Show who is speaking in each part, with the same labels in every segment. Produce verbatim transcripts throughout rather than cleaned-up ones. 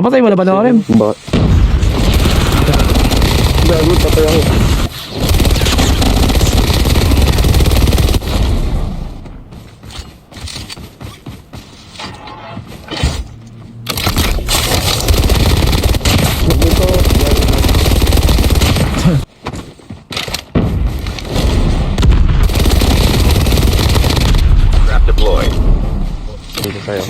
Speaker 1: Napatay mo na ba na rin?
Speaker 2: Bakit? Gago, patay ako.
Speaker 3: Trap deployed.
Speaker 2: Dito sa'yo.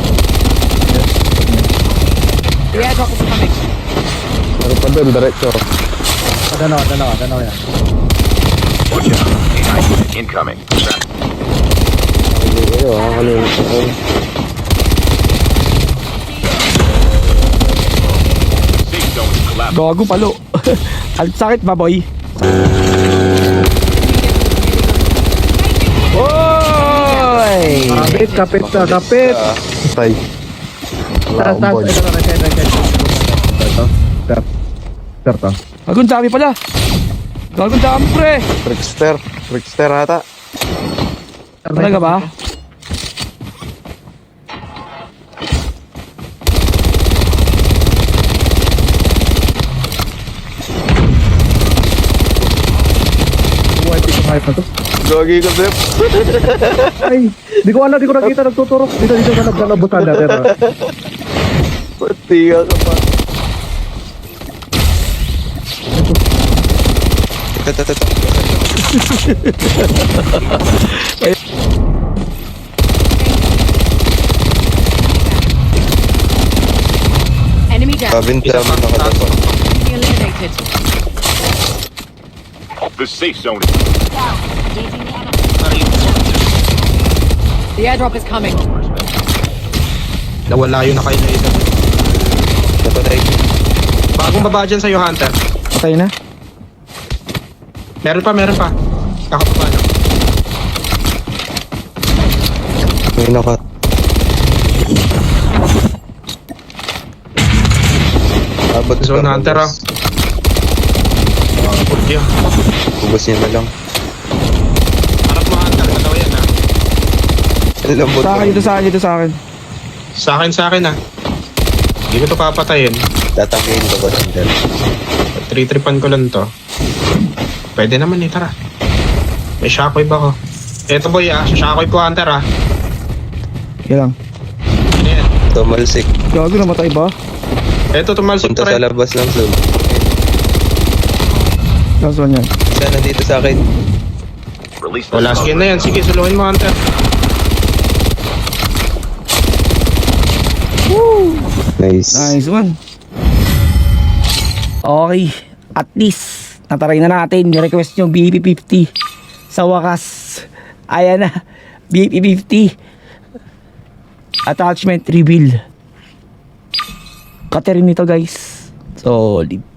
Speaker 4: The airdrop is coming.
Speaker 2: Ano pa doon, diretso.
Speaker 5: Dalawa, dalawa, dalawa yan.
Speaker 3: Watch out. A I unit incoming. Trap.
Speaker 2: Hindi kayo, ha? Kanina ako.
Speaker 3: Safe zone is collapsing.
Speaker 1: Gago palo. Ang sakit ba, boy? Oy!
Speaker 5: Kapit, kapit ka, kapit.
Speaker 2: Patay. Wala
Speaker 5: Taas,
Speaker 2: akong
Speaker 5: taas,
Speaker 2: board.
Speaker 5: ito, right side, right side. Ito, step. Step to.
Speaker 1: Gagong dami pala. Gagong dami, pre.
Speaker 2: Trickster. Trickster ata.
Speaker 1: Talaga ba?
Speaker 5: Buhay, di ko hype na to.
Speaker 2: Gagi ko, Sep.
Speaker 5: Ay, di ko alam, di ko nakita, nagtuturo. Dito, dito, sa nablabutan natin.
Speaker 2: Pati ka ka pa. Ito, ito, ito.
Speaker 4: Enemy down.
Speaker 2: Kabinta mo nakatapo.
Speaker 4: Enemy eliminated.
Speaker 3: The safe zone is
Speaker 4: The airdrop is coming.
Speaker 6: Nawala yun na kayo na isa.
Speaker 2: Napatay.
Speaker 6: Bagong baba dyan sa'yo, Hunter.
Speaker 1: Patay na.
Speaker 6: Meron pa, meron pa. Kakababa na.
Speaker 2: May nakat. Abot
Speaker 6: Zone Hunter, ah. Mga purkya.
Speaker 2: Ubus niya na lang.
Speaker 6: Harap mo, Hunter. Dalawa yan, ha.
Speaker 2: Ang lambot.
Speaker 1: Sa akin, dito sa akin, dito sa akin.
Speaker 6: Sa akin, sa akin, ha. Hindi ko to papatayin.
Speaker 2: Tatanggayin ko ba, Hunter?
Speaker 6: Tri-tripan ko lang to. Pwede naman, eh. Tara. May shockwave ako. Eto, boy, ah. Shockwave ko, Hunter, ha.
Speaker 1: Yan lang.
Speaker 6: Ano yan?
Speaker 2: Tumalsik.
Speaker 1: Gago, namatay ba?
Speaker 6: Eto, tumalsik
Speaker 2: Punta
Speaker 6: pa
Speaker 2: sa
Speaker 6: rin.
Speaker 2: labas ng zone.
Speaker 1: Last one yan.
Speaker 2: Isa nandito sa akin.
Speaker 3: released. the
Speaker 6: Wala
Speaker 3: smoke
Speaker 6: skin na yan. Sige, suluhin mo, Hunter.
Speaker 2: Nice.
Speaker 1: Nice one. Okay. At least, nataray na natin. Request yung B P fifty. Sa wakas. Ayan na. B P fifty. Attachment reveal. Katerin nito, guys. Solid.